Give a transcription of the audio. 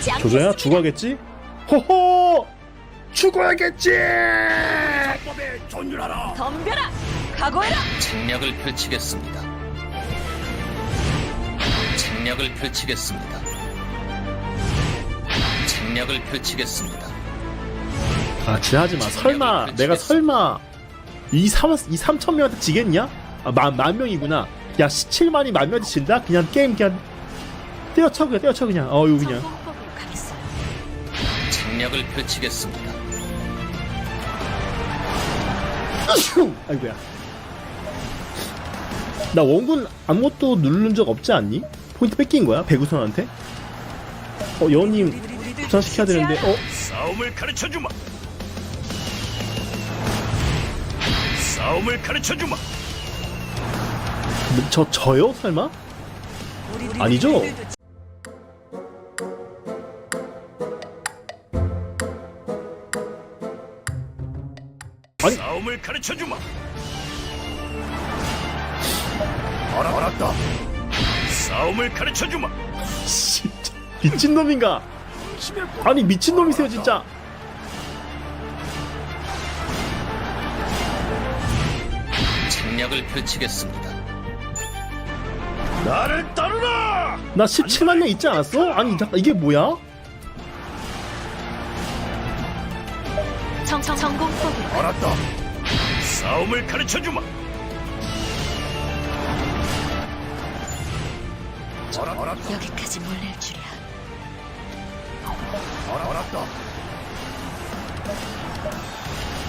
조조야 죽어야겠지? 호호! 죽어야겠지! 법에 존중하라. 덤벼라. 각오해라. 책략을 펼치겠습니다. 책략을 펼치겠습니다. 책략을 펼치겠습니다. 아 지하지마. 설마 내가 설마 이 3,000명한테 지겠냐? 아, 만 명이구나. 야 17만이 만 명한테 진다? 그냥 게임 그냥 때려쳐 그냥 때려쳐 그냥. 어유 그냥. 성공법으로 가겠어요. 책략을 펼치겠습니다. 아휴! 아이고야. 나 원군 아무것도 누른 적 없지 않니? 포인트 뺏긴 거야? 배구선한테? 여우님 부산시켜야 되는데 싸움을 가르쳐 주마. 싸움을 가르쳐 주마. 저요? 설마? 아니죠? 아니. 싸움을 가르쳐 주마. 알았다. 싸움을 가르쳐 주마. 진짜 미친놈인가? 아니 미친놈이세요 진짜. 책략을 펼치겠습니다. 나를 따르라. 나 17만 명 있지 않았어? 아니 이게 뭐야? 성공법으로. 알았다. 싸움을 가르쳐 주마. 알았다. 여기까지 몰릴 줄이야. 알았다.